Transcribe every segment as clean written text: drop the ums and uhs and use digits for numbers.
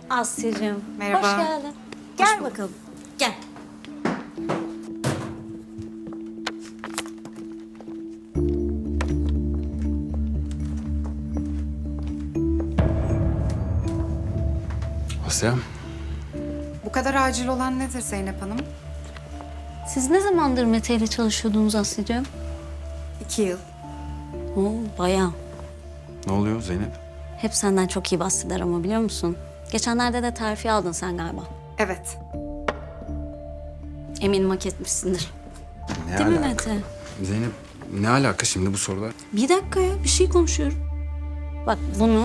Asya'cığım. Merhaba. Hoş geldin. Gel bakalım. Gel. Asya, Bu kadar acil olan nedir Zeynep Hanım? Siz ne zamandır Mete ile çalışıyordunuz Asya'cığım? 2 yıl. Oo, bayağı. ne oluyor Zeynep? Hep senden çok iyi bahseder ama biliyor musun? Geçenlerde de terfi aldın sen galiba. Evet. Eminim hak etmişsindir. Ne Değil mi alaka? Mete? Zeynep, ne alaka şimdi bu sorular? Bir dakika ya, bir şey konuşuyorum. Bak bunu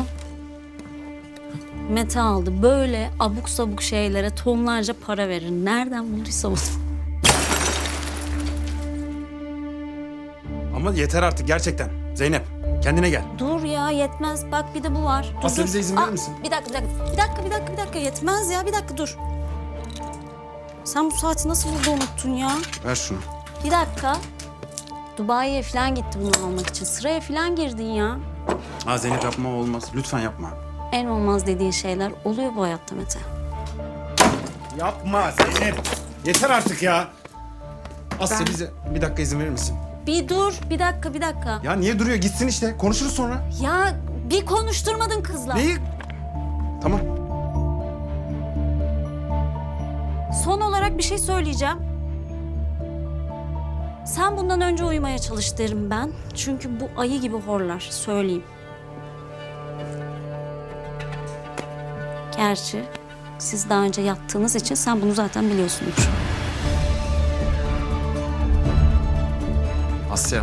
Mete aldı. Böyle abuk sabuk şeylere tonlarca para verir. Nereden bulduysa bunu. Ama yeter artık gerçekten. Zeynep, kendine gel. Dur ya, yetmez. Bak bir de bu var. Dur, Asya, dur. bize izin verir misin? Bir dakika. Bir dakika. Yetmez ya. Bir dakika dur. Sen bu saati nasıl burada unuttun ya? Ver şunu. Bir dakika. Dubai'ye falan gitti bunu almak için. Sıraya falan girdin ya. Ha Zeynep, yapma, olmaz. Lütfen yapma. En olmaz dediğin şeyler oluyor bu hayatta Mete. Yapma Zeynep. Yeter artık ya. Asya, bize bir dakika izin verir misin? Bir dur. Bir dakika. Ya niye duruyor? Gitsin işte. Konuşuruz sonra. Ya bir konuşturmadın kızla. Neyi? Tamam. Son olarak bir şey söyleyeceğim. Sen bundan önce uyumaya çalış derim ben. Çünkü bu ayı gibi horlar, söyleyeyim. Gerçi siz daha önce yattığınız için sen bunu zaten biliyorsundur. Asya,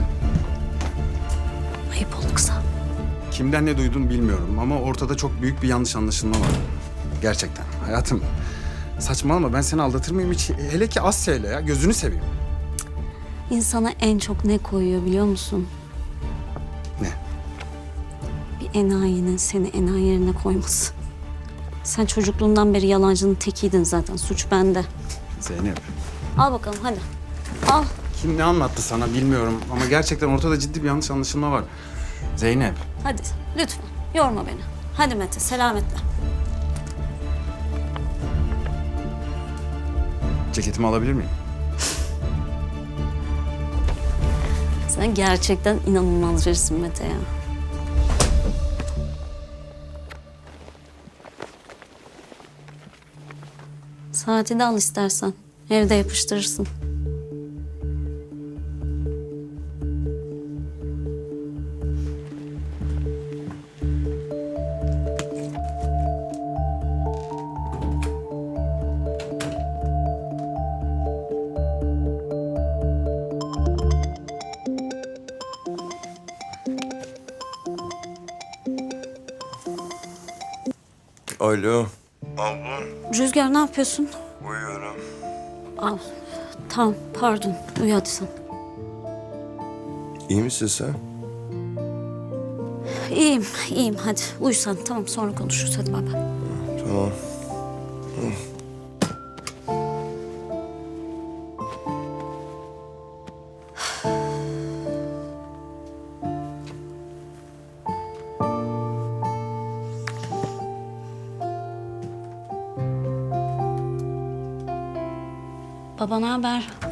Ayıp oldu kıza. kimden ne duydun bilmiyorum ama ortada çok büyük bir yanlış anlaşılma var. Gerçekten. Hayatım, saçmalama, ben seni aldatır mıyım hiç? Hele ki Asya ile ya. Gözünü seveyim. İnsana en çok ne koyuyor biliyor musun? Ne? Bir enayinin seni enayi yerine koyması. Sen çocukluğundan beri yalancının tekiydin zaten. Suç bende. Zeynep. Al bakalım hadi. Al. Kim ne anlattı sana bilmiyorum ama gerçekten ortada ciddi bir yanlış anlaşılma var. Zeynep. Hadi lütfen yorma beni. Hadi Mete selametle. Ceketimi alabilir miyim? Sen gerçekten inanılmaz birisin Mete ya. Saati de al istersen. Evde yapıştırırsın. Alo. Rüzgar ne yapıyorsun? Uyuyorum. Al. Tamam pardon. Uyu hadi sen. İyi misin sen? İyiyim hadi. Uyu sen tamam sonra konuşuruz hadi bay bay. Tamam. Baba ne haber?